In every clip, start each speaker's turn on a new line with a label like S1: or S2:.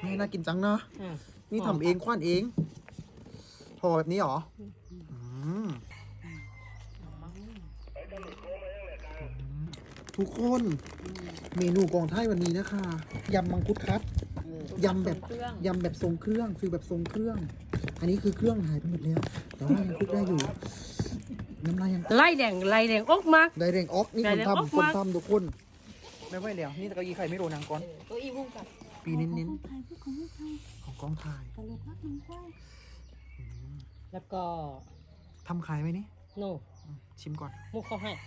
S1: นี่น่ากินจังเนาะนี่ทำเองคว้านเองห่อแบบนี้เหรอทุกคนเมนูกองไทยวันนี้นะคะยำมังคุดคัดยำแบบทรงเครื่องฟิลแบบทรงเครื่อง อันนี้คือเครื่องหายไปหมดแล้วแต่ว่ายังคลุกได้อยู่น้ำลายยัง
S2: ไล่แดงอกมาก
S1: ได้แรงออกนี่คน
S2: ได้แรงออก
S1: ทำคน
S2: มาก
S1: ทำทุกคนไม่ไหวแล้วนี่ตะกี้ไข่ไม่โดนนางก้อน
S2: ตัวอีวุ้งกับ
S1: ปีเน้นของกองถ่าย
S2: แล้วก็
S1: ทำขายไหมนี่
S2: โน่
S1: ชิมก่อน
S2: มุกเขาให้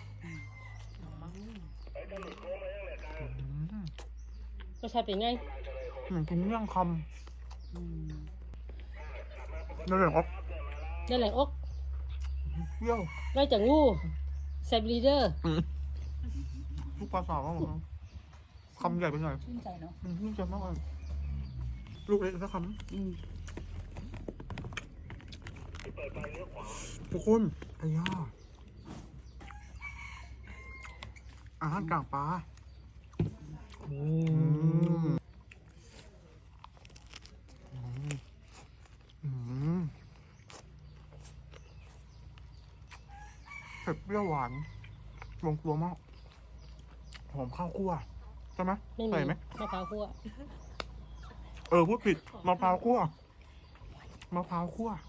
S2: รสชาติเป็นไง
S1: เหมือนกินเมี่ยงคำได้แรงออก
S2: ได้แหล่งอก
S1: เปรี้ยว
S2: ได้จากงูแซบลีเดอร์
S1: ลูกปลาสาวก็หมดคำใหญ่ไปหน่อย
S3: ชื่นใจเนาะ
S1: ชื่นใจมากเลยลูกเล็กสักคำทุกคนไอ้ย่าอาหารกลางปลาเผ็ดเปรี้ยวหวานลงตัวมากหอมข้าวคั่วใช่ไหม
S2: ไม่มี
S1: ใส่ไหม
S2: มะพร้าวคั่ว
S1: พูดผิดมะพร้าวคั่วมะพร้าวคั่ว